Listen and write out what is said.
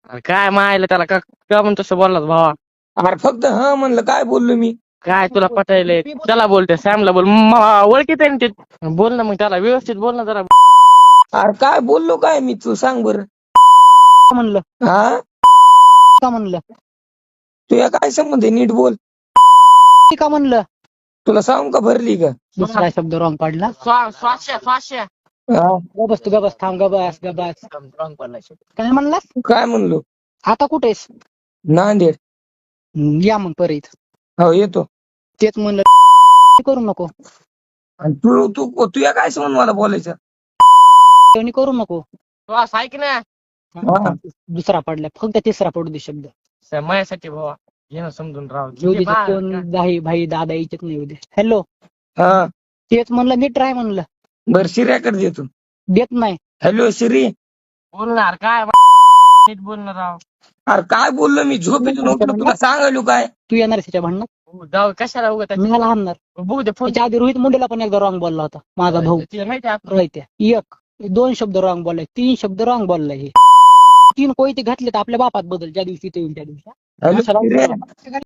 अरे काय मायला त्याला का का म्हणून तसं बोललास भावा? अरे फक्त हा म्हणलं, काय बोललो मी? काय तुला पटायलंय? त्याला बोलते सॅमला बोल, ओळखीत आहे ना ते. बोल ना मग त्याला व्यवस्थित बोल ना जरा. अरे काय बोललो काय मी, तू सांग बरं. म्हणलं हा का म्हणलं तुया काय संबंध आहे? नीट बोल. का म्हणलं तुला सांग का भरली का? दुसरा शब्द रॉंग पाडला. स्वाश्या हा गबस तू गबस, थांब, गबस गबस. रॉंग पडलाय. काय म्हणलास? काय म्हणलो? आता कुठेस? नांदेड. या मग परत. हो येतो. तेच म्हणलं करू नको, आणि तू तू तुया काय संबंध मला बोलायचं? तेवढी करू नको. श्वास ऐक ना. हा. दुसरा पडला, फक्त तिसरा पडू दे शब्द. माझ्यासाठी भावा घे ना समजून राव. येऊ दे, कोण दाही भाई दादा याच्यात नाही येऊ दे. हॅलो, हा तेच म्हणलं नीट राय म्हणलं. बर शिर्याकडे देतो. देत नाही. हॅलो शिरी. बोलणार काय नीट बोलणार राव. अरे काय बोललो मी? झोपेतून उठलो, तुला सांगायलो काय? तू येणार त्याच्या भांडणात? जाऊ कशाला उगत मी मला हाणणार. बघू दे फोन. त्याच्या आधी रोहित मुंडेला पण एकदा रॉंग बोलला होता माझा भाऊ. तिला माहिती आहे रोहित्या एक 2 शब्द रॉंग बोललाय, 3 शब्द रॉंग बोललाय. हे 3 कोयते घातले तर आपल्या बापात बदल, ज्या दिवशी ते येईल त्या दिवशी. हॅलो शिर्या.